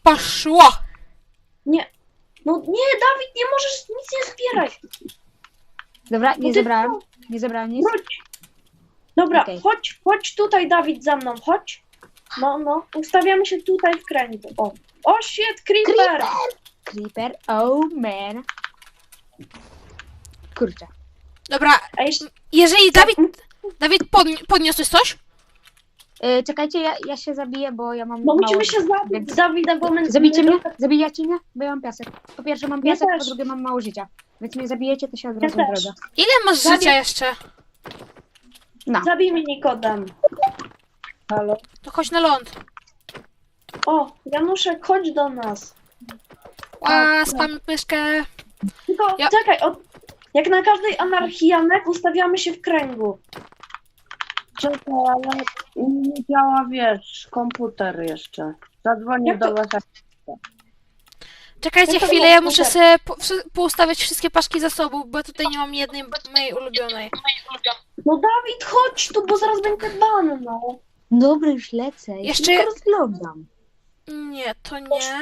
poszło! Nie. No nie, Dawid, nie możesz nic nie zbierać. Dobra, Bo nie ty zebrałem. co? Nie zebrałem nic. Wróć. Dobra, Okej. chodź tutaj, Dawid, za mną, chodź. No, ustawiamy się tutaj w kręgu. O, shit, creeper! Creeper, oh man. Kurczę. Dobra, A jeszcze... jeżeli Dawid podniosłeś coś? Czekajcie, ja się zabiję, bo ja mam No mało... musimy się zabić, więc- Dawida, bo my... Zabicie mnie? Zabijacie mnie? Bo ja mam piasek. Po pierwsze mam Ja piasek, po też. drugie mam mało życia. Więc mnie zabijecie, to się od Ja razu też. odrodzę. Ile masz Dawid- życia jeszcze? No. Zabij mnie, Nikodem. Halo? To chodź na ląd. O, Januszek, chodź do nas. Spam myszkę. Tylko Ja- czekaj, jak na każdej anarchii, Janek, ustawiamy się w kręgu. Czekaj, ale nie działa, wiesz, komputer jeszcze. Zadzwonię Jak to- do was. Czekajcie Ja to chwilę, mam ja muszę komputer. sobie poustawiać wszystkie paczki zasobów, bo tutaj nie mam jednej mojej ulubionej. No Dawid, chodź tu, bo zaraz będzie ban, no. Dobra, już lecę. Jeszcze- Jeszcze rozglądam. Nie, to nie.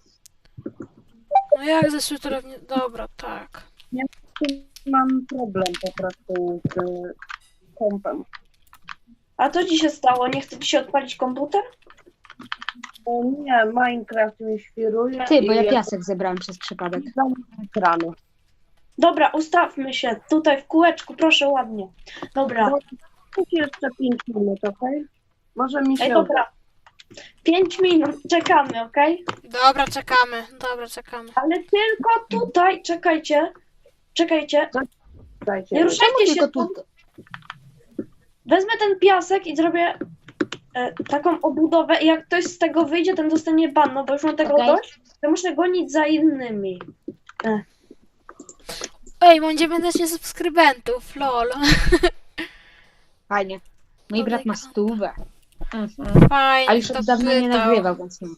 No jak ze sutrowni... Dobra, tak. Mam problem po prostu z kompem. A co ci się stało? Nie chce ci się odpalić komputer? O nie, Minecraft mi świruje. Ty, bo ja i piasek zebrałem przez przypadek. zamknę ekranu. Dobra, ustawmy się tutaj w kółeczku, proszę ładnie. Dobra, Jeszcze 5 minut, okej? Może mi się ej, dobra. 5 minut, czekamy, okej? Dobra, czekamy. Dobra, czekamy. Ale tylko tutaj, czekajcie. udajcie. Nie ruszajcie się, Tylko tu. tu. Wezmę ten piasek i zrobię taką obudowę i jak ktoś z tego wyjdzie, ten dostanie ban, no bo już mam tego Okej. dość, to muszę gonić za innymi. Ej, mam 19 subskrybentów, lol. Fajnie. Mój Oh brat my ma God. 100. Fajnie, A już to od dawna nie wydał. nagrywał, więc nie.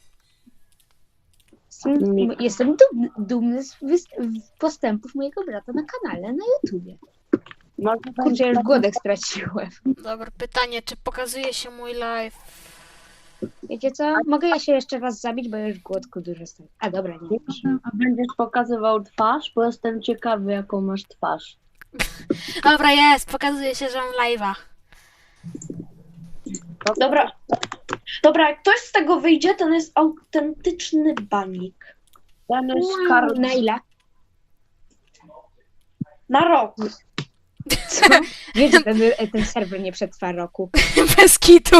Jestem dumny z postępów mojego brata na kanale na YouTubie. Może Kurczę, już głodek straciłem. Dobra, pytanie, czy pokazuje się mój live? Wiecie co? Mogę ja się jeszcze raz zabić, bo już głodku dużo stoi. A dobra, nie. Będziesz pokazywał twarz, bo jestem ciekawy, jaką masz twarz. Dobra, jest, pokazuje się, że mam live'a. Dobra, jak ktoś z tego wyjdzie, ten jest autentyczny banik. Ten jest Na ile? Na rok. Co? Wiesz, że ten serwer nie przetrwa roku. Bez kitu.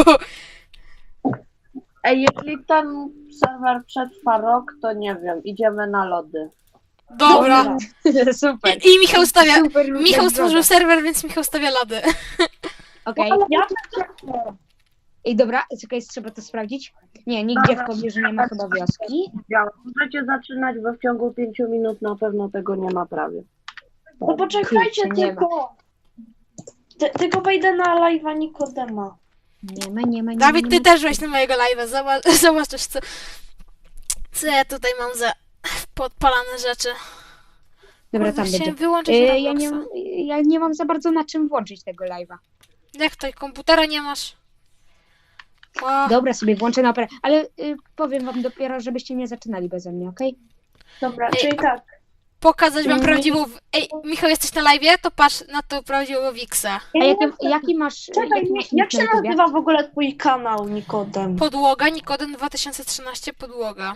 Ej, jeśli ten serwer przetrwa rok, to nie wiem, idziemy na lody. Dobra. Super. I Michał stawia... Super Michał stworzył droga. serwer, więc Michał stawia lody. Okej. Ja I dobra, czekaj, trzeba to sprawdzić. Nie, nigdzie w pobliżu nie ma chyba wioski. Działa. Możecie zaczynać, bo w ciągu 5 minut na pewno tego nie ma prawie. No poczekajcie Kurczę, nie tylko. Tylko wejdę na live'a Nikodema. Nie ma. Dawid, ty też weź na mojego live'a. Zobaczysz, co ja tutaj mam za podpalane rzeczy. Dobra, Kurde, tam się będzie. wyłączyć Ja nie mam za bardzo na czym włączyć tego live'a. Jak to, komputera nie masz? O, Dobra, sobie włączę na operę, ale powiem wam dopiero, żebyście nie zaczynali beze mnie, okej? Dobra, Ej, czyli tak. pokazać wam prawdziwą... Ej, Michał, jesteś na live'ie? To patrz na tą prawdziwą Wixę. A jaki masz... Czekaj, jaki masz jak nick się na YouTubie? nazywa w ogóle twój kanał, Nikodem? Podłoga, Nikodem 2013, podłoga.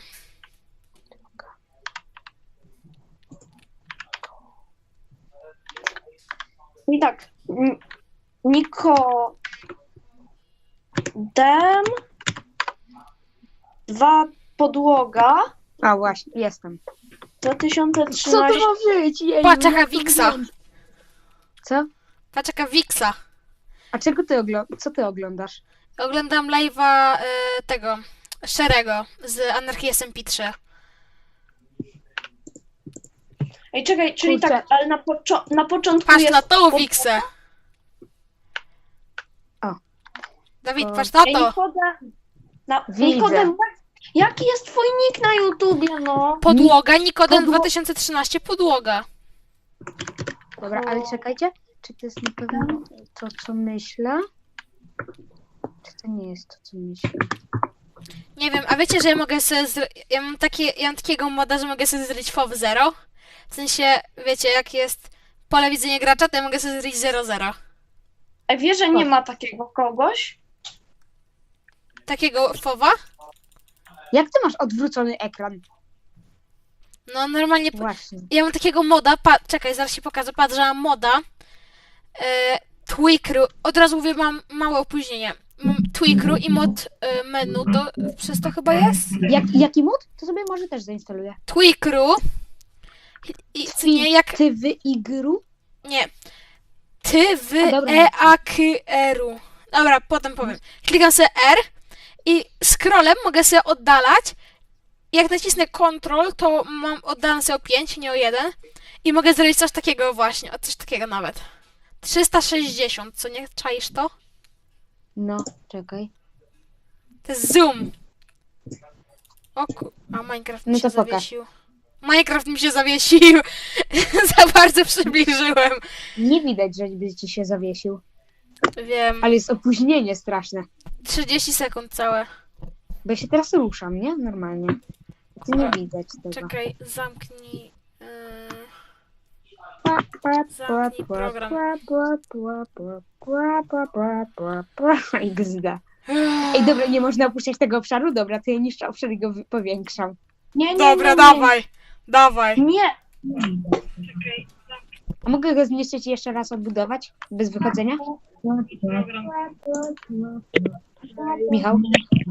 I tak. Nikodem 2 podłoga A właśnie, jestem. 2013. Co to ma być? Jeju, Patrz, jaka jak to Wixa. wygląda? Co? Patrz jaka Wixa. A czego ty co ty oglądasz? Oglądam live'a tego, Szerego z Anarchii SMP3. Ej, czekaj, czyli Kurczę. tak, ale na początku Patrz jest... na tą Wixę. O. Dawid, O. patrz na Ej, to. Nikodem, Widzę. Nikodem, jaki jest twój nick na YouTubie, no? Podłoga, Nikodem Podło- 2013, podłoga. Dobra, ale czekajcie. Czy to jest na pewno to, co myślę? Czy to nie jest to, co myślę? Nie wiem, a wiecie, że ja mogę sobie ja mam takiego moda, że mogę sobie zrobić FOV 0? W sensie, wiecie, jak jest pole widzenia gracza, to ja mogę sobie zrobić 0-0. Ej, wiesz, że nie ma takiego kogoś? Takiego FOVa? Jak ty masz odwrócony ekran? No normalnie, Właśnie. ja mam takiego moda, czekaj, zaraz ci pokażę, patrz, że mam moda, Tweakru, od razu mówię, mam małe opóźnienie. Mam Tweakru i mod menu, to przez to chyba jest? Jaki mód? To sobie może też zainstaluję. Tweakru i co nie, jak, Ty w igru? nie, ty w A, dobra. EAKR-u. Dobra, potem powiem. Klikam sobie R i scrollem mogę sobie oddalać. Jak nacisnę Ctrl, to oddalam sobie o 5, nie o 1. I mogę zrobić coś takiego właśnie, o coś takiego nawet. 360, co nie? Czaisz to? No, czekaj. To jest zoom. A Minecraft mi No się to pokaż. zawiesił. Minecraft mi się zawiesił. Za bardzo przybliżyłem. Nie widać, żeby ci się zawiesił. Wiem. Ale jest opóźnienie straszne. 30 sekund całe. Bo ja się teraz ruszam, nie? Normalnie. To nie widać tego. Czekaj, zamknij. Zamknij program. XD. Ej, dobra, nie można opuszczać tego obszaru? Dobra, to ja niszczę obszar i go powiększam. Nie, Dobra, nie. dawaj. Dawaj. Nie. A mogę go zniszczyć i jeszcze raz odbudować? Bez wychodzenia? Michał?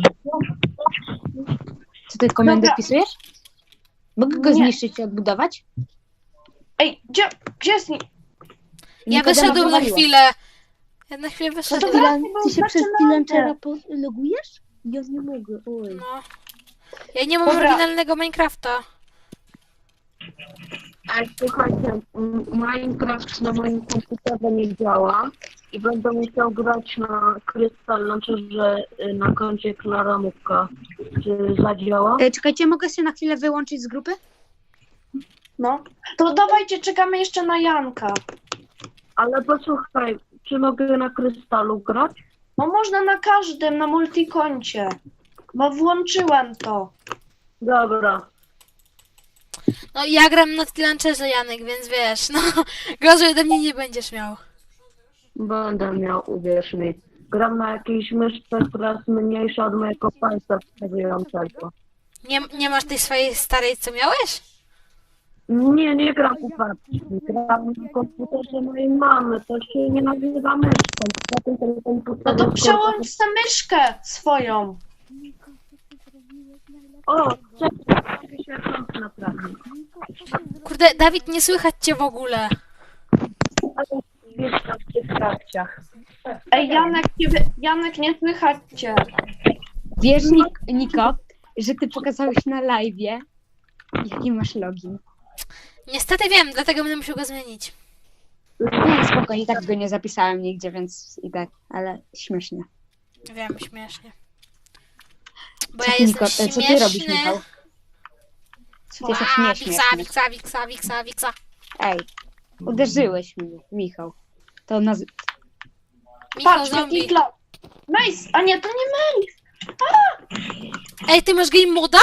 Co ty komendę Dobra. wpisujesz? Mogę go Nie. zniszczyć i odbudować? Ej, gdzie jest nie? Ja Nikodema wyszedłem na wywaliła. chwilę. Ja na chwilę wyszedłem. dobra. Ty się przez Zaczynamy. Pilanczera logujesz? Ja nie mogę, oj. No. Ja nie mam Dobra. oryginalnego Minecrafta. Ej, słuchajcie, Minecraft na moim komputerze nie działa i będę musiał grać na Crystal Launcherze na koncie Klaramówka. Czy zadziała? Czekajcie, mogę się na chwilę wyłączyć z grupy? No. To dawajcie, czekamy jeszcze na Janka. Ale posłuchaj, czy mogę na Krystalu grać? No można na każdym, na multikoncie. Bo włączyłem to. Dobra. No ja gram na Launcherze, Janek, więc wiesz, no gorzej ode mnie nie będziesz miał. Będę miał, uwierz mi. Gram na jakiejś myszce, która jest mniejsza od mojego palca wskazującego. Nie masz tej swojej starej, co miałeś? Nie gram u babci. Gram na komputerze mojej mamy. To się nie nazywa myszką. Poza tym ten komputer No to jest przełącz tę myszkę swoją. O, czekaj, się kąt naprawił. Kurde, Dawid, nie słychać cię w ogóle. Ale wiesz, w tych trakciach. Ej, Janek, nie słychać cię. Wiesz, Niko, że ty pokazałeś na live'ie, jaki masz login. Niestety wiem, dlatego będę musiał go zmienić. Nie, spoko, i tak go nie zapisałem nigdzie, więc i tak, ale śmiesznie. Wiem, śmiesznie. Bo Co ja ty, jestem Niko, co ty śmieszny. robisz, Michał? Ty jesteś A, nieśmieszny. wiksa. Ej, uderzyłeś mnie, Michał. To Michał Patrz, zombie. jaki klas. Mace, a nie, to nie Mace. Ej, ty masz game moda?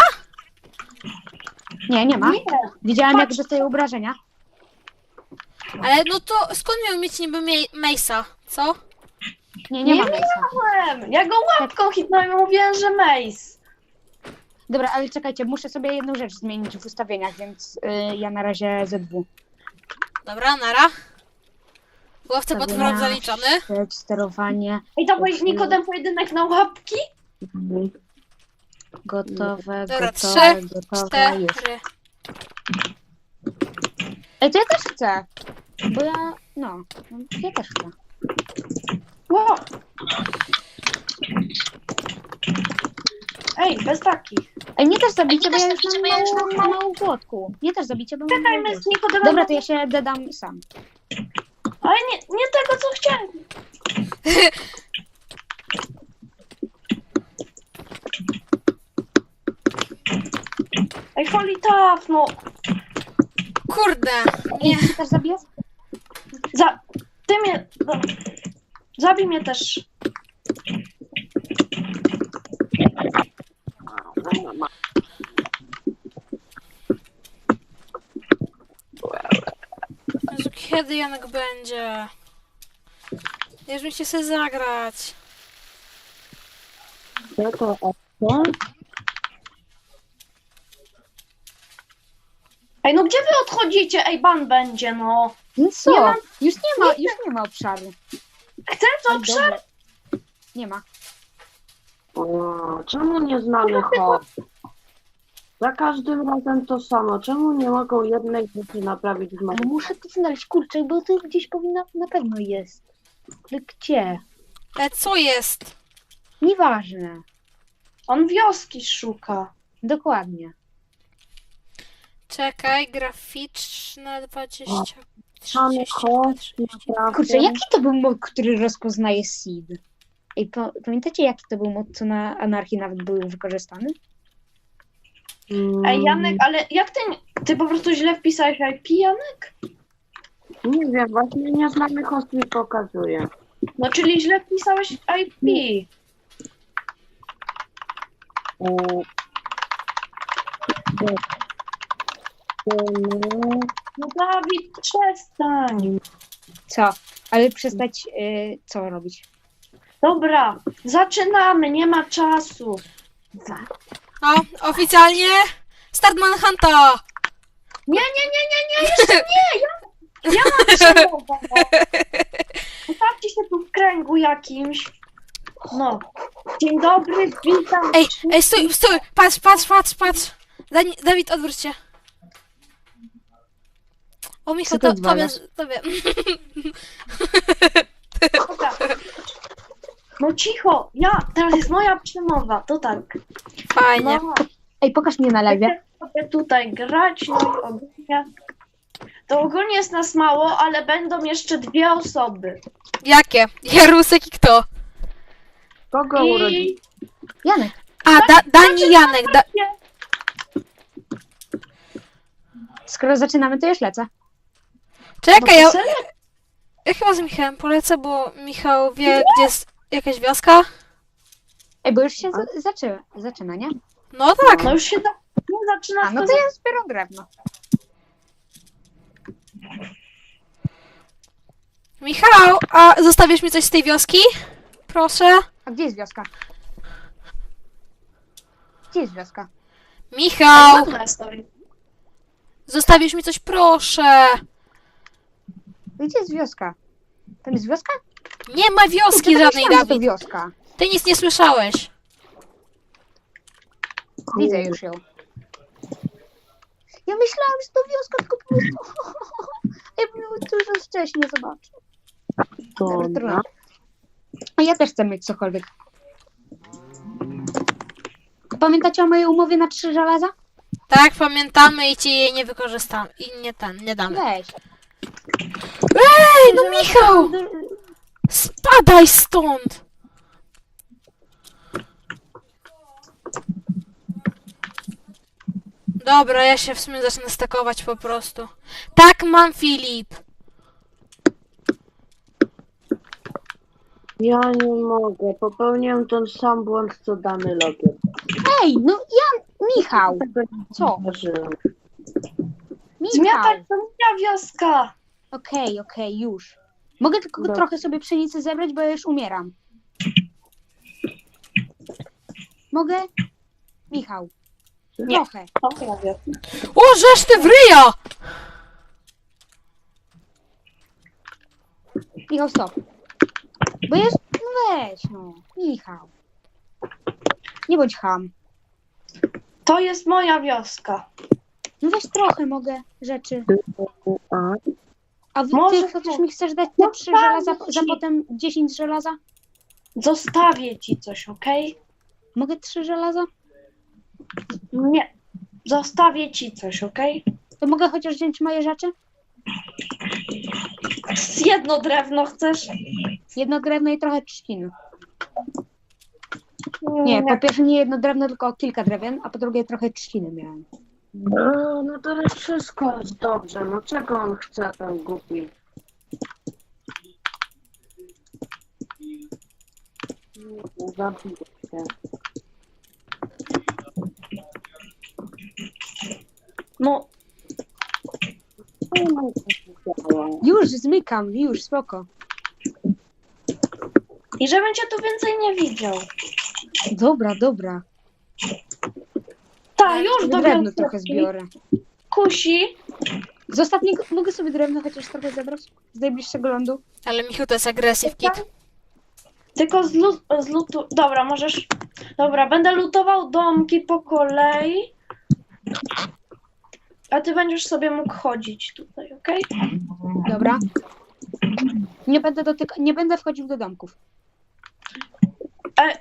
Nie ma. Nie. Widziałem, jak Patrz. dostaję obrażenia. Ale no to skąd miał mieć niby Mace'a, co? Nie Nie ma Mace'a. miałem. Ja go łapką hitnąłem i mówiłem, że Mace. Dobra, ale czekajcie, muszę sobie jedną rzecz zmienić w ustawieniach, więc ja na razie ZW. Dobra, nara. Łowca potworów zaliczony. Sterowanie Ej, to Nikodem pojedynek na łapki? gotowe, Dobra, gotowe, 3, gotowe, już. 4. Ej, to ja też chcę. Bo ja też chcę. Wow. Ej, bez takich. Ej, mnie też zabicie, bo ja już mam małą płotku. Mnie też zabicie, bo mam Czekaj, małą my z Nikodemem... Dobra, to ja się dedam sam. Ale nie tego, co chciałem. Ej, holy tough, no. Kurde, Ej, nie. ty też zabijasz? Ty mnie... No. Zabij mnie też. kiedy Janek będzie? Już mi się chce zagrać. Co to opcja? Ej, no gdzie wy odchodzicie? Ej, ban będzie, no. No co? Nie mam- Już nie ma obszaru. Chcę co Ej, obszar? dobra. Nie ma. O, czemu nie znamy hop? Za każdym razem to samo. Czemu nie mogą jednej rzeczy naprawić w Ale mapie? muszę to znaleźć, kurczę, bo to gdzieś powinna, na pewno jest. Ale gdzie? Co jest? Nieważne. On wioski szuka. Dokładnie. Czekaj, graficzne 20... Mamy 30, hop, 30. naprawdę. Kurczę, jaki to był mod, który rozpoznaje seed? Ej, pamiętacie, jaki to był mod, co na anarchii nawet był wykorzystany? Ej, Janek, ale jak ty po prostu źle wpisałeś IP, Janek? Nie wiem, właśnie nie znamy host mi pokazuje. No, czyli źle wpisałeś IP. No, Dawid, przestań. Co? Ale przestać, co robić? Dobra, zaczynamy, nie ma czasu. O, oficjalnie start Manhunta! Nie, jeszcze nie, ja mam przemowę. Ustawcie się tu w kręgu jakimś. No. Dzień dobry, witam. Ej, stój, patrz. Dawid, odwróć się. O, Michał, Co ty tobie. odwalasz? Dobra. No cicho, teraz jest moja przemowa, to tak. Fajnie. No, Ej, pokaż mnie na live. będę tutaj grać, no i ogólnie. To ogólnie jest nas mało, ale będą jeszcze 2 osoby. Jakie? Jarusek i kto? Kogo urodził? I Janek. A, Dani i Janek. Skoro zaczynamy, to już lecę. Czekaj, no to serio? ja chyba z Michałem polecę, bo Michał wie, gdzie jest jakaś wioska. Ej, bo już się zaczyna, nie? No tak. No już się zaczyna. A, no to ja zbieram drewno. Michał, a zostawisz mi coś z tej wioski? Proszę. A gdzie jest wioska? Gdzie jest wioska? Michał, Ładna stoi. zostawisz mi coś, proszę. Gdzie jest wioska? Tam jest wioska? Nie ma wioski Kurczę, żadnej, myślałam, że to Dawid. wioska. Ty nic nie słyszałeś. Widzę już ją. Ja myślałam, że to wioska, tylko po prostu... Ja bym ją dużo wcześniej zobaczył. Dobra, trudno. A ja też chcę mieć cokolwiek. Pamiętacie o mojej umowie na 3 żelaza? Tak, pamiętamy i ci jej nie wykorzystamy. I nie damy. Weź. Ej, no Michał! Spadaj stąd! Dobra, ja się w sumie zacznę stakować po prostu. Tak, mam, Filip. Ja nie mogę. Popełniłem ten sam błąd, co dany logier. Ej, no Michał. Co? Zdarzyłem. Michał. Zmiatać to moja wioska. Okej, już. Mogę tylko Dobra. trochę sobie pszenicy zebrać, bo ja już umieram. Mogę? Michał. Nie. Trochę. Dobra, wioska. O, żeż ty wryja! Michał, stop. Bo jest... No weź, no. Michał. Nie bądź ham. To jest moja wioska. No weź trochę mogę rzeczy. A, A ty Może chociaż tu. mi chcesz dać te No 3 tak, żelaza, za ci. potem 10 żelaza? Zostawię ci coś, okej? Mogę 3 żelaza? Nie. Zostawię ci coś, okej? To mogę chociaż wziąć moje rzeczy? Jedno drewno chcesz? Jedno drewno i trochę trzciny. Nie, po pierwsze nie jedno drewno, tylko kilka drewien, a po drugie trochę trzciny miałem. no teraz wszystko jest dobrze. No czego on chce, ten głupi? Zabiję się. No, Co mam powiedzieć? Już zmykam, już, spoko. I żebym cię tu więcej nie widział. Dobra. Tak, już Sobie dobiorę drewno trochę kwiatki. zbiorę. Kusi. Z ostatniego, mogę sobie drewno chociaż trochę zebrać? Z najbliższego lądu? Ale Michu to jest aggressive kid. Tylko z lutu... Dobra, możesz... Dobra, będę lutował domki po kolei. A ty będziesz sobie mógł chodzić tutaj, okej? Dobra. Nie będę wchodził do domków. E,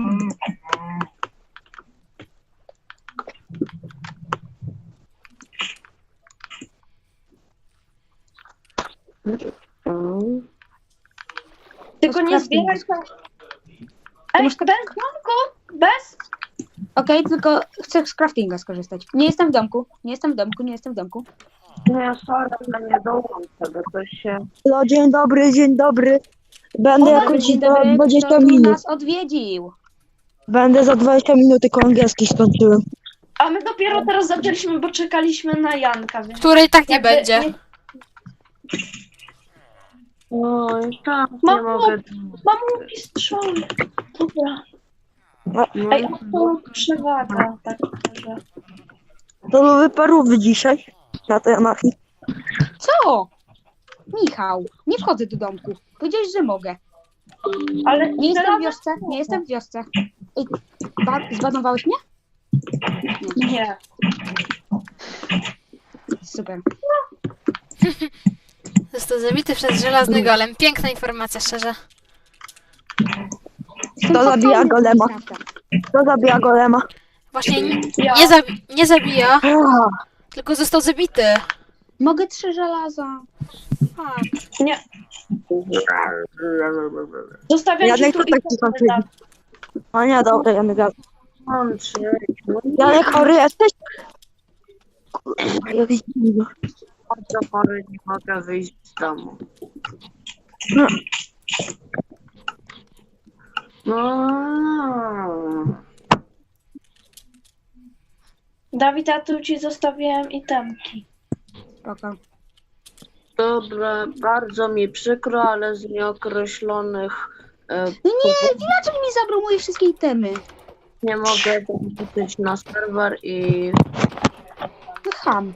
Tylko nie zbieraj tam... Ej, masz bez domku? Bez? Okej, tylko chcę z craftinga skorzystać. Nie jestem w domku. Nie, sorry, ale nie dołączę, bo to się... No, dzień dobry. Będę jakoś Dzień za dobry, 20 kto tu minut. nas odwiedził? Będę za 20 minut, tylko angielski skończyłem. A my dopiero teraz zaczęliśmy, bo czekaliśmy na Janka, więc... Której tak nie jakby będzie. Oj, tak, nie Mam mogę. Mam łuki strzały. Dobra. Ej, to przewaga, tak szczerze. To były parówy dzisiaj na tej anarchii. Co? Michał, nie wchodzę do domku. Powiedziałeś, że mogę. Ale Nie jestem w żelazo- wiosce, nie jestem w wiosce. Ej, zbanowałeś mnie? Nie. Super. Został zabity przez żelazny golem. Piękna informacja, szczerze. Kto zabija golema? Kto zabija golema? Właśnie Ja. nie zabija, tylko został zabity. Mogę 3 żelaza. Tak. Nie. Zostawiam Janek ci tu to tak i skończyli. O nie, dobra, Janek. No Janek, chory jesteś? Kurwa, jakiś dziwny. bardzo chory, nie mogę wyjść z domu. No. No. Dawid, ja tu ci zostawiłem itemki. Spoko. Dobra, bardzo mi przykro, ale z nieokreślonych No nie, villager mi zabrał moje wszystkie itemy. nie mogę dołączyć na serwer i No ham.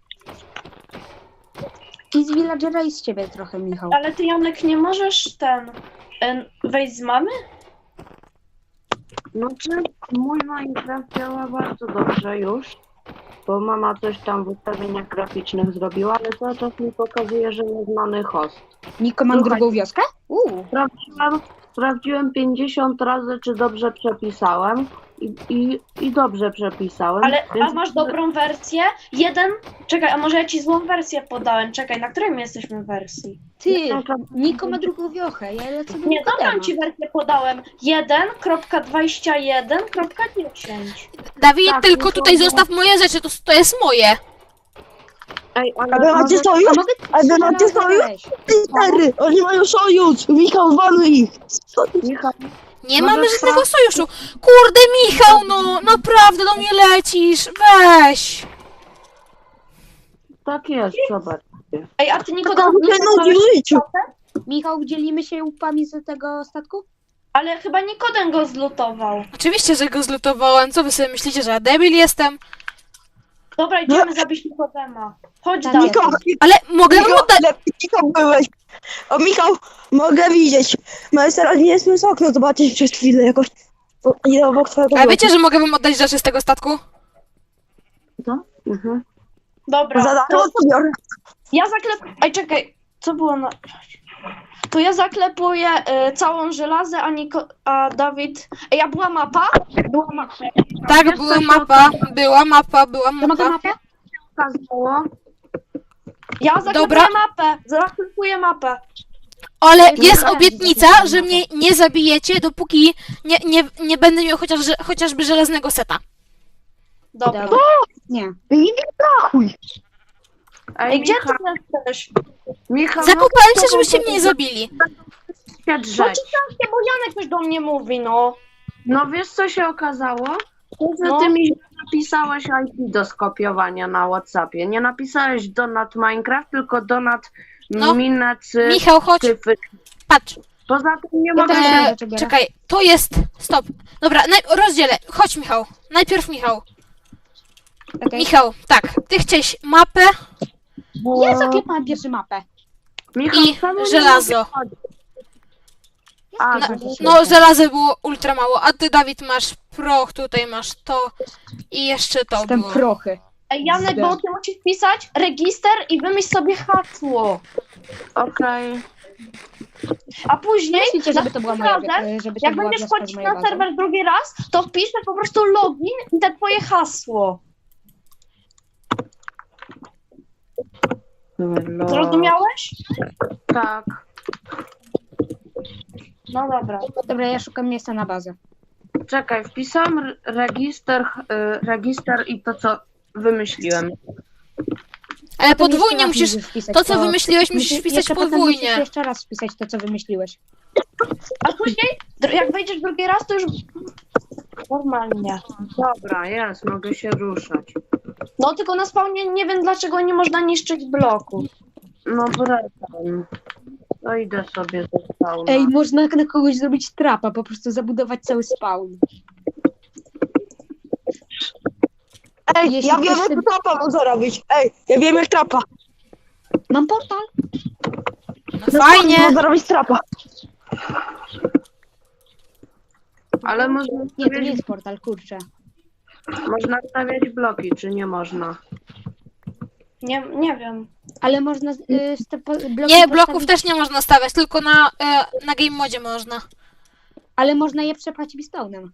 I z villagera i z ciebie trochę, Michał. Ale ty, Janek, nie możesz wejść z mamy? znaczy mój Minecraft działa bardzo dobrze już, bo mama coś tam w ustawieniach graficznych zrobiła, ale cały czas mi pokazuje, że nieznany host. Niko, mam Słuchaj. drugą wioskę? Sprawdziłem 50 razy, czy dobrze przepisałem i dobrze przepisałem. Ale, a więc masz dobrą wersję? Czekaj, a może ja ci złą wersję podałem? Czekaj, na której my jesteśmy wersji? Ty, Niko ma drugą wiochę. Ja lecę do Nie, Nikodema. dobrą ci wersję podałem. 1.21.10. Dawid, Tak, tylko no to- tutaj zostaw moje rzeczy, to jest moje. Ej, A wy ale macie może, sojusz? A mogę A wy macie żelazo sojusz? weź? Cztery! Oni mają sojusz! Michał, waluj ich! Michał, Nie Może mamy żadnego tak. sojuszu. Kurde, Michał, no naprawdę do mnie lecisz. Weź. tak jest, zobacz. Ej, a ty To nikogo mnie nudzi w życiu! Michał, dzielimy się łupami z tego statku? Ale chyba Nikodem go zlutował. Oczywiście, że go zlutowałem. Co wy sobie myślicie, że ja debil jestem? Dobra, idziemy zabić Nikodema. Chodź, Tak Dawid. Michał, Ale mogę wam Michał, oddać... lepiej Michał byłeś! O, Michał, mogę widzieć! No jest teraz nie jest z okno, zobaczyć przez chwilę jakoś. Nie obok twojego A wiecie, że mogę wam oddać rzeczy z tego statku? Mhm. Dobra, Za darmo to to biorę. ja zaklepuję... Ej, czekaj, co było na... To ja zaklepuję całą żelazę, a Dawid... Ej, a była mapa? Była mapa. Tak, była mapa. Była mapa. To mogę mapę? Okazało, Ja zaklepuję Dobra. mapę. Zaklepuję mapę. Ale jest obietnica, że mnie nie zabijecie, dopóki nie będę miał chociażby żelaznego seta. Dobra. Nie. I chuj! Ej, gdzie ty jesteś? Michał, Zakopałem się, żebyście mnie nie zabili. się No drzeć. ciekawe, bo Janek już do mnie mówi, no. No wiesz, co się okazało? To, że No. ty mi napisałeś IP do skopiowania na WhatsAppie. Nie napisałeś donat Minecraft, tylko donat No. Minacy, Michał, chodź, tyfy. patrz. Poza tym nie Ja mogę też się... wiem, dlaczego. Czekaj, to jest... Stop. Dobra, rozdzielę. Chodź, Michał. Najpierw Michał. Okej. Michał, tak. Ty chciałeś mapę Ja zaklepałem pierwszą mapę. Michał, i czemu nie żelazo. mogę chodzić? A, Ja No, żelazo było ultra mało, a ty, Dawid, masz proch, tutaj masz to i jeszcze to Jestem było. prochy. Ej, Janek, bo ty musisz wpisać register i wymyśl sobie hasło. okej. A później, Myślicie, żeby to była moja, razem, żeby to jak była będziesz wioska z wchodzić mojej na bazy? serwer drugi raz, to wpiszesz po prostu login i te twoje hasło. Zrozumiałeś? Tak. No dobra. Dobra, ja szukam miejsca na bazę. Czekaj, wpisałam register i to, co wymyśliłem. Ale Potem podwójnie jeszcze raz musisz... wpisać, To, co wymyśliłeś, musisz wpisać jeszcze potem musisz podwójnie. jeszcze raz wpisać to, co wymyśliłeś. A później, jak wejdziesz drugi raz, to już normalnie. Dobra, jest, mogę się ruszać. No tylko na spawnie nie wiem, dlaczego nie można niszczyć bloku. No wracam. To idę sobie ze spawna. Ej, można na kogoś zrobić trapa, po prostu zabudować cały spawn. Ej, Jeśli ja wiem ktoś jak trapa można robić. Ej, ja wiem jak trapa. Mam portal. No fajnie. Można robić trapa. Ale można Nie, to nie stawiać, jest portal, kurczę. można stawiać bloki, czy nie można? Nie wiem. Ale można bloki Nie, bloków postawić, też nie można stawiać, tylko na game modzie można. ale można je przepchać pistownem.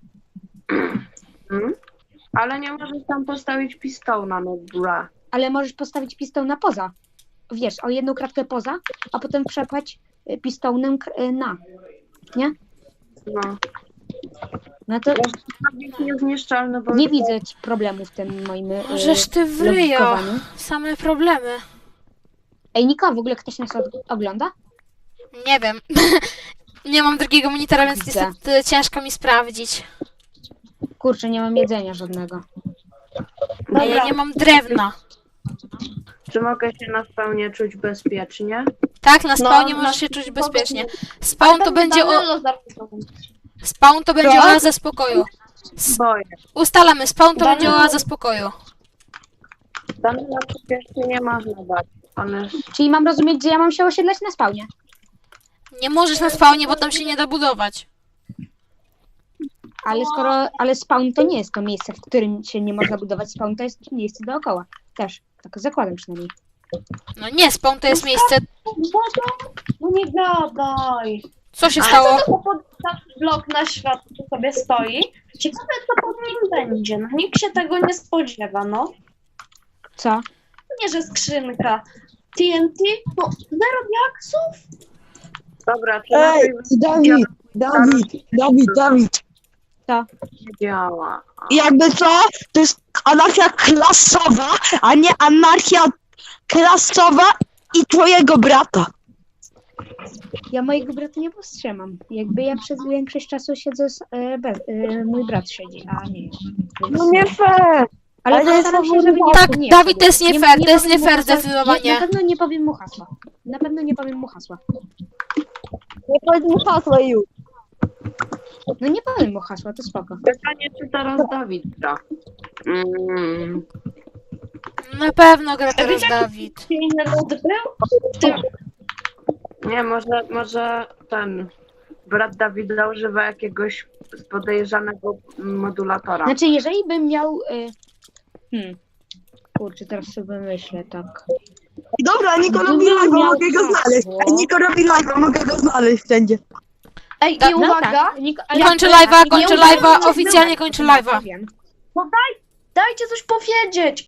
Hmm? Ale nie możesz tam postawić pistona, no bra. Ale możesz postawić pistona poza. Wiesz, o jedną kratkę poza, a potem przepchać pistonem na. Nie? No. No to Jest niezniszczalny, bo... nie widzę problemu w tym moim Możesz ty w ryjo. logikowaniu. Same problemy. Ej, Niko, w ogóle ktoś nas ogląda? Nie wiem. Nie mam drugiego monitora, więc Widzę. niestety ciężko mi sprawdzić. Kurczę, nie mam jedzenia żadnego. A ja nie mam drewna. Czy mogę się na spawnie czuć bezpiecznie? Tak, na spawnie No, możesz na- się czuć bezpiecznie. Spawn to będzie Co? oaza spokoju. Boję. Ustalamy, spawn to Danilo- będzie oaza spokoju. Danila przecież się nie można bać. On jest... Czyli mam rozumieć, że ja mam się osiedlać na spawnie. Nie możesz na spawnie, bo tam się nie da budować. Ale spawn to nie jest to miejsce, w którym się nie można budować. Spawn to jest miejsce dookoła. Też. Tak zakładam przynajmniej. No nie, spawn to jest miejsce... No nie gadaj. Co się Ale stało? co to pod blok na świat sobie stoi? Ciekawe, co pod nim będzie. No nikt się tego nie spodziewa, no. Co? Nie, że skrzynka. TNT? No, zero diaksów? Dobra, czy Ej, Dawid. nie działa? Jakby co, to jest anarchia klasowa, a nie anarchia klasowa i twojego brata. Ja mojego brata nie powstrzymam. Jakby ja przez większość czasu siedzę mój brat siedzi, a nie. Więc... No nie fair. Ale ale to jest postaram się, żeby nie Tak, nie, Dawid, to jest nie fair, to jest powiem nie mu fair hasła. zdecydowanie. Na pewno nie powiem mu hasła. Na pewno nie powiem mu hasła. Nie powiedz mu hasła już. No nie powiem mu hasła, to spoko. Pytanie, czy teraz Dawid gra? Na pewno gra teraz Dawid. Inny lud był? W tym... Nie, może ten brat Dawida używa jakiegoś podejrzanego modulatora. Znaczy, jeżeli bym miał... Kurczę, teraz sobie myślę, tak. Dobra, Niko robi Gdybym live'a, miał mogę go znaleźć. hasło- Ej, Niko robi live'a, mogę go znaleźć wszędzie. Ej, i Tak, uwaga, tak. Kończę Ale- live'a, nie kończę uważam, live'a, że oficjalnie byłem. kończę live'a. Wiem. dajcie coś powiedzieć.